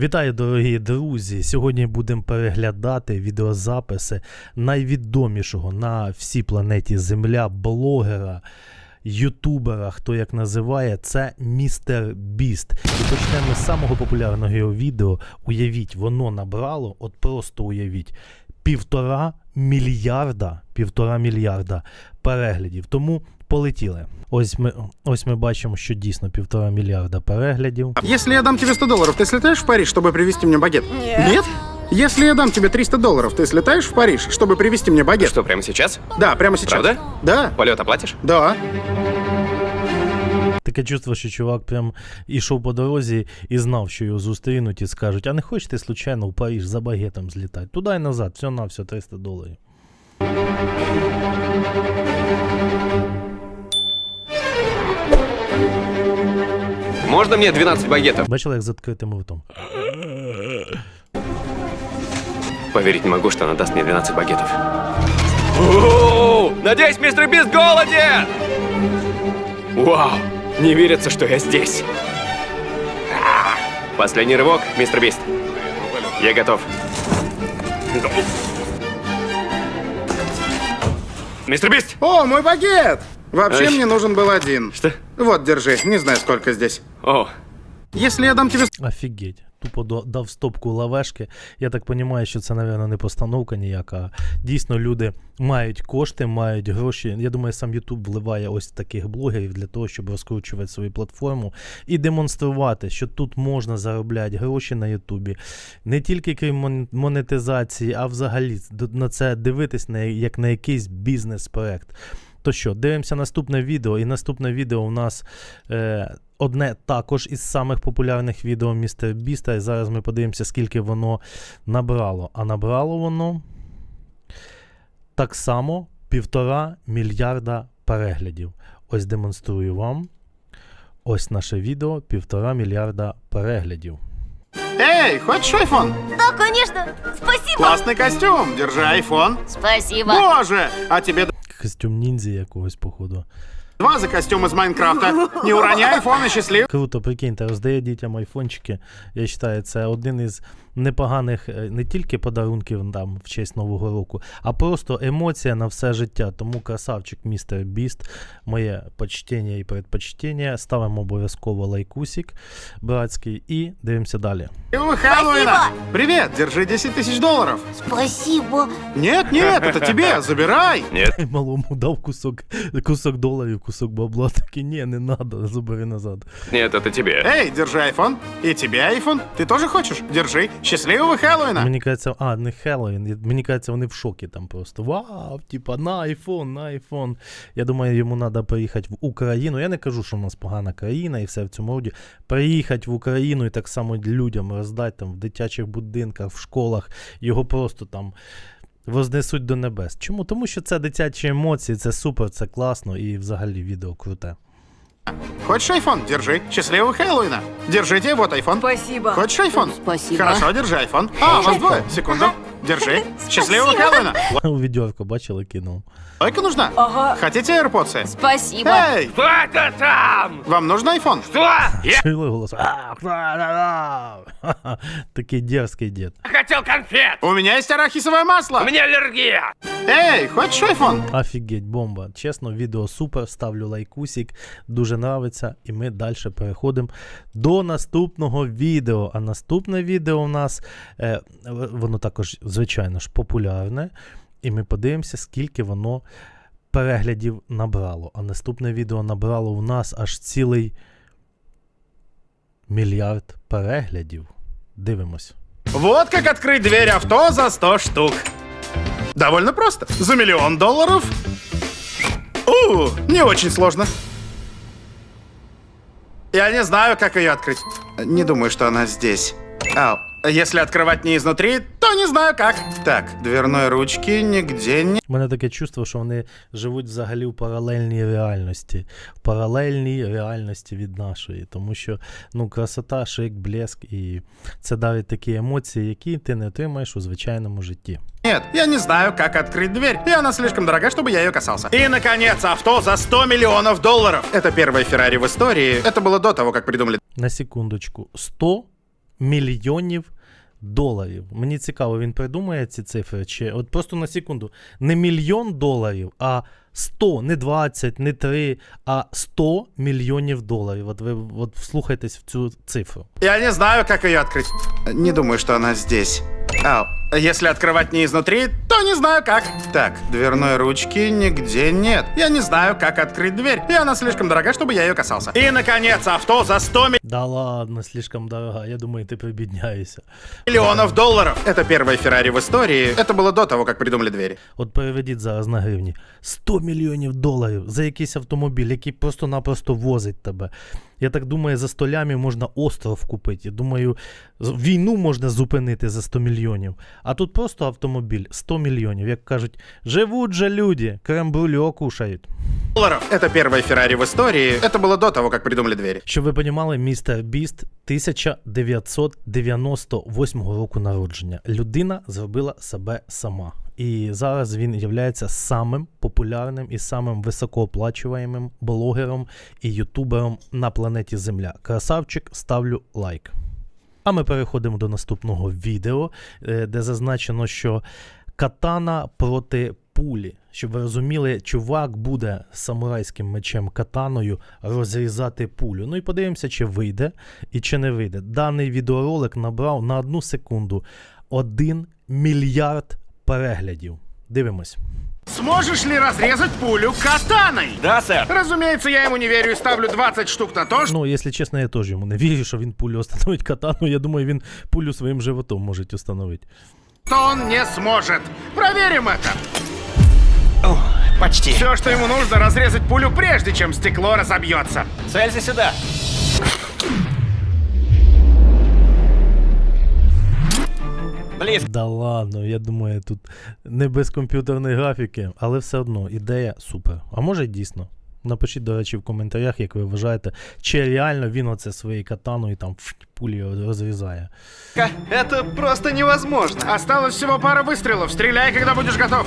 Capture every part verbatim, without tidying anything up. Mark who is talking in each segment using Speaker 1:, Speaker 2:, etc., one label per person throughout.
Speaker 1: Вітаю, дорогі друзі! Сьогодні будемо переглядати відеозаписи найвідомішого на всій планеті Земля блогера, ютубера, хто як називає, це містер Біст. І почнемо з самого популярного його відео. Уявіть, воно набрало, от просто уявіть, півтора мільярда, півтора мільярда переглядів. Тому полетіли. Ось ми, ось ми бачимо, що дійсно півтора мільярда переглядів.
Speaker 2: Если я дам тебе сто долларов, ты слетаешь в Париж, чтобы привезти мне багет?
Speaker 3: Нет.
Speaker 2: Нет? Если я дам тебе триста долларов, ты слетаешь в Париж, чтобы привезти мне багет?
Speaker 4: Что, прямо сейчас?
Speaker 2: Да, прямо сейчас.
Speaker 4: Правда?
Speaker 2: Да.
Speaker 4: Полет оплатишь?
Speaker 2: Да.
Speaker 1: Таке чувство, що чувак прям ішов по дорозі і знав, що його зустрінуть і скажуть, а не хочете случайно в Париж за багетом злітати? Туди і назад, все на все, триста доларів.
Speaker 4: Можно мне двенадцать багетов?
Speaker 1: Бачили, як з відкритим ртом?
Speaker 4: Поверить не могу, что она даст мне двенадцать багетов. О, надеюсь, мистер Бист голоден! Вау, не верится, что я здесь. А, Последний рывок, мистер Бист. Я готов. Мистер Бист!
Speaker 2: О, мой багет! Вообще
Speaker 4: Ай.
Speaker 2: мне нужен был один.
Speaker 4: Что?
Speaker 2: Вот, держи. Не знаю, сколько здесь.
Speaker 4: О,
Speaker 2: Если я дам тебе
Speaker 1: Офігеть. Тупо до- дав стопку лавешки. Я так розумію, що це, мабуть, не постановка ніяка. Дійсно, люди мають кошти, мають гроші. Я думаю, сам YouTube вливає ось таких блогерів для того, щоб розкручувати свою платформу і демонструвати, що тут можна заробляти гроші на Ютубі. Не тільки крім мон- монетизації, а взагалі д- на це дивитись на, як на якийсь бізнес-проект. То що, дивимося наступне відео, і наступне відео у нас е, одне також із самих популярних відео містер Біста, і зараз ми подивимося, скільки воно набрало. А набрало воно так само півтора мільярда переглядів. Ось демонструю вам. Ось наше відео, півтора мільярда переглядів.
Speaker 2: Эй, хочешь айфон?
Speaker 3: Да, конечно. Спасибо.
Speaker 2: Классный костюм. Держи айфон.
Speaker 3: Спасибо.
Speaker 2: Боже! А тебе
Speaker 1: Костюм ніндзі якогось, походу.
Speaker 2: два за костюм из Майнкрафта. Не уроняй айфон и счастлив.
Speaker 1: Круто, прикиньте, роздає дітям айфончики. Я вважаю, це один із непоганих е, не тільки подарунків там в честь Нового року, а просто емоція на все життя. Тому красавчик містер Біст, моє почтення і предпочтення. Ставимо обов'язково лайкусик братський и дивимося далі.
Speaker 2: Хэллоуина! Привет, держи десять тысяч долларов.
Speaker 3: Спасибо.
Speaker 2: Нет, нет, это тебе, забирай.
Speaker 4: нет.
Speaker 1: Малому дав кусок, кусок доларів, кусок бабла. Такий, ні, не надо, забери назад.
Speaker 4: Нет, это тебе.
Speaker 2: Эй, держи айфон. И тебе айфон. Ты тоже хочешь? Держи. Счастливого Хэллоуина.
Speaker 1: Мені кажеться, а, не Хеллоуін, мені кажеться, вони в шокі там просто. Вау, типа, на айфон, на айфон. Я думаю, йому треба приїхати в Україну. Я не кажу, що в нас погана країна і все в цьому роді. Приїхати в Україну і так само людям роздати там в дитячих будинках, в школах. Його просто там вознесуть до небес. Чому? Тому що це дитячі емоції, це супер, це класно і взагалі відео круте.
Speaker 2: Хочешь айфон? Держи. Счастливого Хэллоуина. Держите, вот айфон.
Speaker 3: Спасибо.
Speaker 2: Хочешь айфон?
Speaker 3: Спасибо.
Speaker 2: Хорошо, держи айфон. А, у вас двое. Секунду. Держи. Счастливого Хэллоуина.
Speaker 1: У відьорку бачили, кинув.
Speaker 2: Лайка нужна?
Speaker 3: Ага.
Speaker 2: Хотите AirPods?
Speaker 3: Спасибо.
Speaker 2: Эй,
Speaker 4: Кто это там?
Speaker 2: вам нужен айфон?
Speaker 4: Что? Я
Speaker 1: Чули голос? А, ха-ха-ха. Такий дерзкий дід.
Speaker 4: хотел конфет.
Speaker 2: У меня есть арахисовое масло.
Speaker 4: У меня аллергия.
Speaker 2: Эй, хочешь айфон?
Speaker 1: Офігеть, бомба. Чесно, відео супер, ставлю лайкусик, дуже нравиться, і ми далі переходимо до наступного відео. А наступне відео у нас, е, воно також, звичайно ж, популярне, і ми подивимося, скільки воно переглядів набрало. А наступне відео набрало у нас аж цілий мільярд переглядів. Дивимось.
Speaker 2: Вот как открыть дверь авто за сто штук. Довольно просто. За миллион долларов. У, не очень сложно. Я не знаю, как ее открыть. Не думаю, что она здесь. Ау. Если открывать не изнутри, то не знаю как. Так, дверной ручки нигде не...
Speaker 1: У мене таке чувство, що вони живуть взагалі в паралельній реальності. В паралельній реальності від нашої. Тому що, ну, красота, шик, блеск, і це дарить такі емоції, які ти не отримаєш у звичайному житті.
Speaker 2: Нет, я не знаю, как открыть дверь, и она слишком дорога, чтобы я ее касался. И, наконец, авто за сто миллионов долларов. Это первая Феррари в истории. Это было до того, как придумали
Speaker 1: На секундочку. сто мільйонів доларів. Мені цікаво, він придумає ці цифри, чи от просто на секунду, не мільйон доларів, а сто, не двадцять, не три, а сто мільйонів доларів. От ви от вслухайтесь в цю цифру.
Speaker 2: Я не знаю, как ее открыть. Не думаю, что она здесь. Ау, если открывать не изнутри, то не знаю как. Так, дверной ручки нигде нет. Я не знаю, как открыть дверь. И она слишком дорога, чтобы я ее касался. И, наконец, авто за сто
Speaker 1: Да ладно, слишком дорога. Я думаю, ти прибідняєшся.
Speaker 2: миллионов долларов. Это первая Феррари в истории. Это было до того, как придумали двери.
Speaker 1: От переведіть зараз на гривні. сто мільйонів доларів за якийсь автомобіль, який просто-напросто возить тебе. Я так думаю, за сто лямів можна остров купити. Я думаю, війну можна зупинити за сто мільйонів. А тут просто автомобіль сто мільйонів. Як кажуть, живуть же люди, крем-брюльо кушають.
Speaker 2: Долларов. Это первая Феррари в истории. Это было до того, как придумали двери.
Speaker 1: Щоб ви понімали, містер Біст тисяча дев'ятсот дев'яносто восьмого року народження. Людина зробила себе сама. І зараз він є самим популярним і самим високооплачуваємим блогером і ютубером на планеті Земля. Красавчик, ставлю лайк. А ми переходимо до наступного відео, де зазначено, що катана проти пулі. Щоб ви розуміли, чувак буде самурайським мечем катаною розрізати пулю. Ну і подивимося, чи вийде і чи не вийде. Даний відеоролик набрав на одну секунду один мільярд переглядів. Дивимось.
Speaker 2: Сможешь ли разрезать пулю катаной?
Speaker 4: Да, сэр.
Speaker 2: Разумеется, я ему не верю и ставлю двадцать штук на то, что
Speaker 1: Ну, якщо чесно, я теж йому не вірю, що він пулю остановить катану. Я думаю, він пулю своїм животом може остановити.
Speaker 2: он не сможет. Проверим это.
Speaker 4: Почти.
Speaker 2: Все, что ему нужно, разрезать пулю, прежде чем стекло разобьется.
Speaker 4: Целься сюда. Близко.
Speaker 1: Да ладно, я думаю, тут не без комп'ютерної графіки, але все одно ідея супер. А може дійсно? Напишіть, до речі, в коментарях, як ви вважаєте, чи реально він оце своєю катаною там ф, пулі розрізає.
Speaker 5: Это просто невозможно.
Speaker 2: Осталось всего пара выстрелов. Стреляй, когда будешь готов.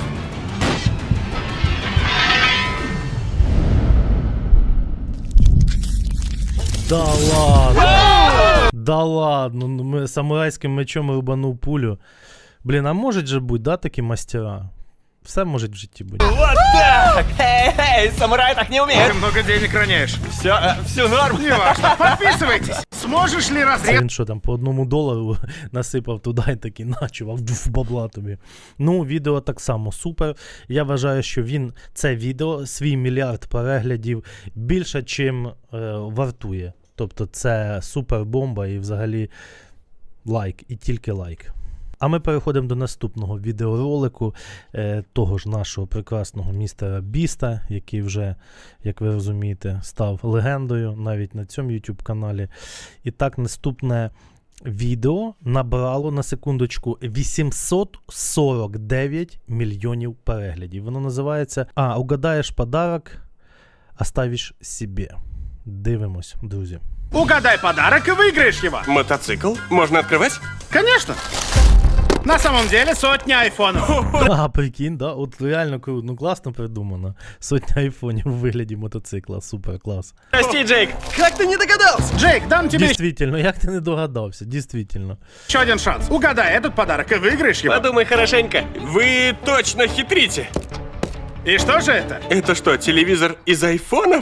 Speaker 1: Да ладно! Да ладно, ну, ми самурайським мечом рубанув пулю. Блін, а можуть же бути, да, такі мастера? Все може в житті бути.
Speaker 4: Вот так! Эй, эй, самурай так не
Speaker 2: Ты
Speaker 4: умеет.
Speaker 2: много денег роняешь.
Speaker 4: Все, э, все норм.
Speaker 2: Неважно. Подписывайтесь. Сможешь ли
Speaker 1: Це
Speaker 2: разрезать
Speaker 1: він що там по одному долару насипав туди і такий начував в бабла тобі. Ну, відео так само супер. Я вважаю, що він це відео, свій мільярд переглядів, більше, чим е, вартує. Тобто це супер бомба і взагалі лайк, і тільки лайк. А ми переходимо до наступного відеоролику е, того ж нашого прекрасного містера Біста, який вже, як ви розумієте, став легендою навіть на цьому YouTube каналі. І так, наступне відео набрало на секундочку вісімсот сорок дев'ять мільйонів переглядів. Воно називається «А, угадаєш подарок, оставиш собі». Дивимось, друзі.
Speaker 2: Угадай подарок и выиграешь его.
Speaker 4: Мотоцикл? Можно открывать?
Speaker 2: Конечно. На самом деле сотня айфонов.
Speaker 1: А, прикинь, да? От реально круто, ну класно придумано. Сотня айфонів у вигляді мотоцикла, супер, клас.
Speaker 4: Прости, Джейк.
Speaker 5: Как ты не догадался?
Speaker 2: Джейк, дам тебе
Speaker 1: Дійсно, як ти не догадався, дійсно.
Speaker 2: еще один шанс. Угадай этот подарок и выиграешь его.
Speaker 4: Подумай хорошенько. Вы точно хитрите.
Speaker 2: И что же это?
Speaker 4: Это что, телевизор из айфонов?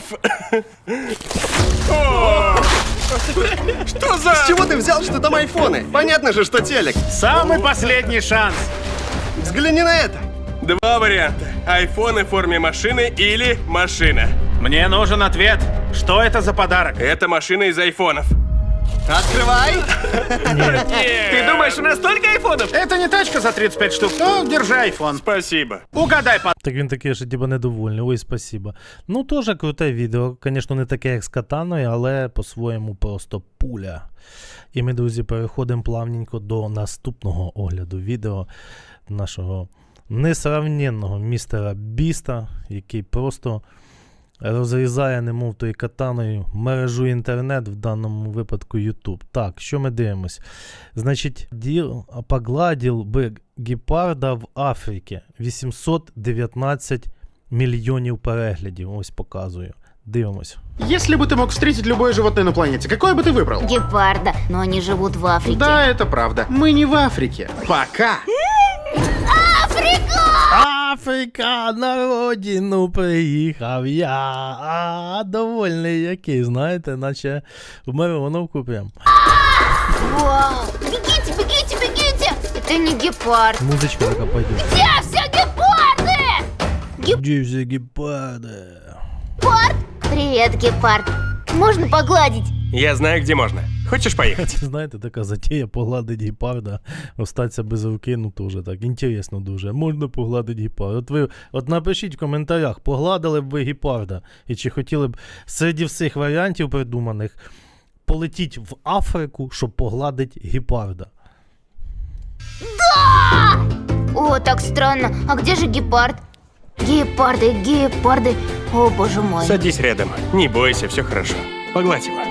Speaker 4: О! Что за...
Speaker 5: С чего ты взял, что там айфоны? Понятно же, что телек.
Speaker 2: Самый последний шанс.
Speaker 5: Взгляни на это.
Speaker 4: Два варианта. Айфоны в форме машины или машина.
Speaker 2: Мне нужен ответ. Что это за подарок?
Speaker 4: Это машина из айфонов.
Speaker 5: Открывай.
Speaker 4: Ты думаешь, у нас столько айфонов?
Speaker 2: Это не тачка за тридцать пять штук. Ну, держи айфон.
Speaker 4: Спасибо.
Speaker 2: Угадай подарок.
Speaker 1: Так він такий, що типа недовольний, ой, спасибо. Ну, теж круте відео, звісно, не таке, як з катаною, але по-своєму просто пуля. І ми, друзі, переходимо плавненько до наступного огляду відео нашого несравненного містера Біста, який просто розрізає, немов тою катаною, мережу інтернет, в даному випадку YouTube. Так, що ми дивимось? Значить, діл, погладив би гепарда в Африці. вісімсот дев'ятнадцять мільйонів переглядів. Ось показую. Дивимось.
Speaker 2: Если бы ты мог встретить любое животное на планете, какое бы ты выбрал?
Speaker 3: Гепарда, но они живут в Африке.
Speaker 2: Да, это правда. Мы не в Африке. Пока.
Speaker 1: Африка, на родину приїхав я. А, довольний який, знаєте, наче в Мироновку прям.
Speaker 3: Вау! Бегите, бегите, бегите! Это не гепард.
Speaker 1: Музичка така пойде.
Speaker 3: Где все гепарды?
Speaker 1: Де всі гепарди?
Speaker 3: Гепард? Привет, гепард. Можно погладить?
Speaker 4: Я знаю, где можно. Хочешь поехать?
Speaker 1: Це, знаєте, така затія погладить гепарда, остатися без руки, ну теж так, інтересно дуже. Можна погладити гепарда. От ви, от напишіть в коментарях, погладили б ви гепарда, і чи хотіли б серед всіх варіантів придуманих полетіть в Африку, щоб погладити гепарда.
Speaker 3: О, так странно. А где же гепард? Гепарды, гепарды. О, боже мой.
Speaker 4: Садись рядом. Не бойся, все хорошо. Погладь его.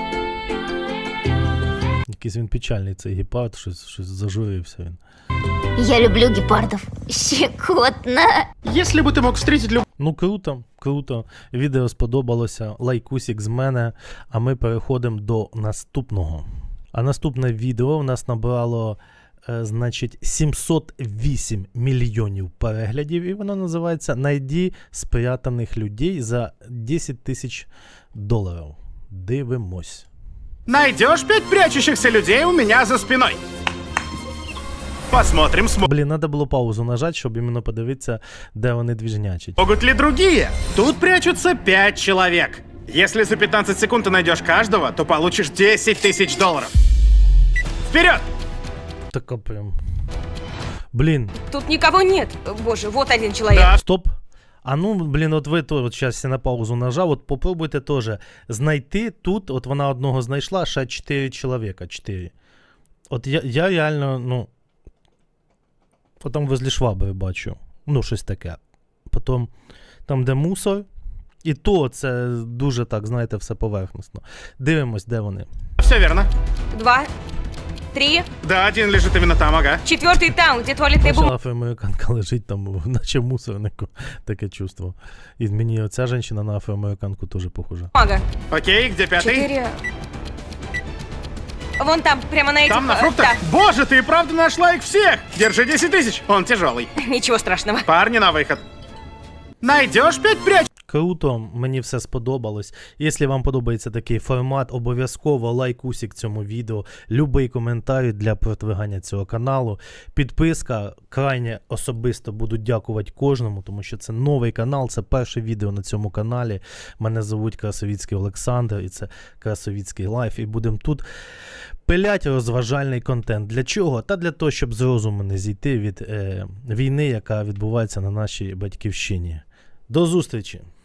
Speaker 1: Якийсь він печальний цей гепард, щось, щось зажурився він.
Speaker 3: Я люблю гепардов. Щекотно.
Speaker 2: Если бы ты мог встретить любое...
Speaker 1: Ну круто, круто. Відео сподобалося. Лайкусик з мене. А ми переходимо до наступного. А наступне відео у нас набрало, е, значить, сімсот вісім мільйонів переглядів. І воно називається «Найди спрятаних людей за десять тисяч доларів». Дивимось.
Speaker 2: Найдешь пять прячущихся людей у меня за спиной. Посмотрим,
Speaker 1: Блін, треба було паузу нажати, щоб іменно подивитися, де вони двіжнячать.
Speaker 2: смогут ли другие. Тут прячутся пять человек. Если за пятнадцать секунд ты найдешь каждого, то получишь десять тысяч долларов. Вперед!
Speaker 1: Така прям. Блін,
Speaker 6: Тут никого нет. Боже, вот один человек.
Speaker 2: Да.
Speaker 1: стоп. А ну, блін, от ви то, от зараз я на паузу нажав, от попробуйте теж знайти тут, от вона одного знайшла, ще чотири чоловіка, чотири. От я, я реально, ну, потім возле швабри бачу, ну, щось таке. Потім там, де мусор, і то це дуже так, знаєте, все поверхностно. Дивимось, де вони.
Speaker 2: Все верно.
Speaker 6: Два, три,
Speaker 2: Да, один лежит именно там, ага.
Speaker 6: четвертый там, где туалетная бумага.
Speaker 1: Бачила, афроамериканка лежить там, наче в мусорнику, таке чувство. І мені оця жінка на афроамериканку теж похожа.
Speaker 2: Окей, где пятый?
Speaker 6: Четыре. Вон там, прямо на этих...
Speaker 2: Там, на
Speaker 6: э,
Speaker 2: фруктах?
Speaker 6: да.
Speaker 2: Боже, ты и правда нашла их всех! Держи десять тысяч, он тяжелый.
Speaker 6: Ничего страшного.
Speaker 2: Парни на выход. Найдешь пять прячущихся?
Speaker 1: Круто, мені все сподобалось. Якщо вам подобається такий формат, обов'язково лайкусик цьому відео, любий коментар для продвигання цього каналу, підписка, крайне особисто буду дякувати кожному, тому що це новий канал, це перше відео на цьому каналі. Мене звуть Красовіцький Олександр, і це Красовіцький Лайф, і будемо тут пилять розважальний контент. Для чого? Та для того, щоб з розуму не зійти від е, війни, яка відбувається на нашій батьківщині. До зустрічі!